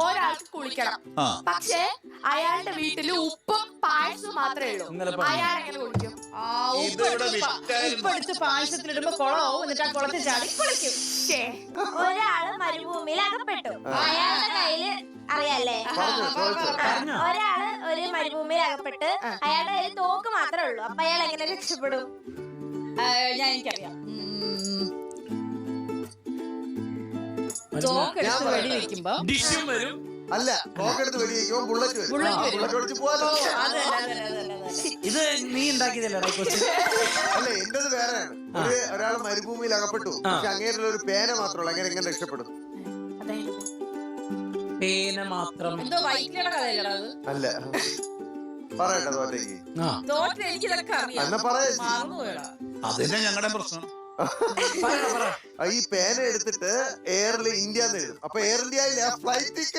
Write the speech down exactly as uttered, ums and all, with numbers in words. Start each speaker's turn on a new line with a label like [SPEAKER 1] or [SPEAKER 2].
[SPEAKER 1] ഒരാൾക്ക് കുളിക്കണം. പക്ഷേ അയാളുടെ വീട്ടില് ഉപ്പും പായസവും മാത്രമേ ഉള്ളൂ. അയാൾ എങ്ങനെ കുളിക്കും?
[SPEAKER 2] ഉപ്പെടുത്ത് പായസത്തിലിടുമ്പോ കുളമാവും, എന്നിട്ട് ആ കുളത്തിൽ ചാടി കുളിക്കും.
[SPEAKER 3] ഒരാള് മരുഭൂമിയിൽ അകപ്പെട്ടു. അയാളുടെ കയ്യില് അറിയാല്ലേ, ഒരാള് ഒരു മരുഭൂമിയിൽ അകപ്പെട്ട് അയാളുടെ കയ്യിൽ തോക്ക് മാത്രമേ ഉള്ളൂ. അപ്പൊ അയാൾ എങ്ങനെ രക്ഷപ്പെടും?
[SPEAKER 2] ഞാൻ എനിക്കറിയാം. തോക്കെടുത്ത് വെടി വെക്കുമ്പോ
[SPEAKER 4] അല്ല, തോക്കെടുത്ത് വെടി വെക്കുമ്പോ ബുള്ളറ്റ് വരും. ബുള്ളറ്റ് ഒളിച്ച് പോവാലോ.
[SPEAKER 5] ഇത് നീ ഉണ്ടാക്കിയതല്ലേ?
[SPEAKER 4] അല്ല, എന്റത് വേറെയാണ്. ഒരു ഒരാൾ മരുഭൂമിയിൽ അകപ്പെട്ടു, പക്ഷെ അങ്ങേരുടെ ഒരു പേന മാത്രമുള്ളൂ. അങ്ങനെ എങ്ങനെ രക്ഷപ്പെടും?
[SPEAKER 5] പേന മാത്രം.
[SPEAKER 2] എന്തോ വൈക്കിയുടെ കഥയല്ലടാ അത്.
[SPEAKER 4] അല്ല, പറയട്ടെ തോറ്റേക്ക്.
[SPEAKER 2] തോറ്റിൽ എനിക്കിതൊക്കെ അറിയാം.
[SPEAKER 4] എന്നാ പറയാ.
[SPEAKER 2] മറന്നുപോയടാ.
[SPEAKER 6] അതന്നെ ഞങ്ങളുടെ പ്രശ്നം.
[SPEAKER 4] ഈ പേന എടുത്തിട്ട് എയറിൽ ഇന്ത്യ എന്ന് എഴുതും. അപ്പൊ എയർ ഇന്ത്യയിലെ ഫ്ലൈറ്റ്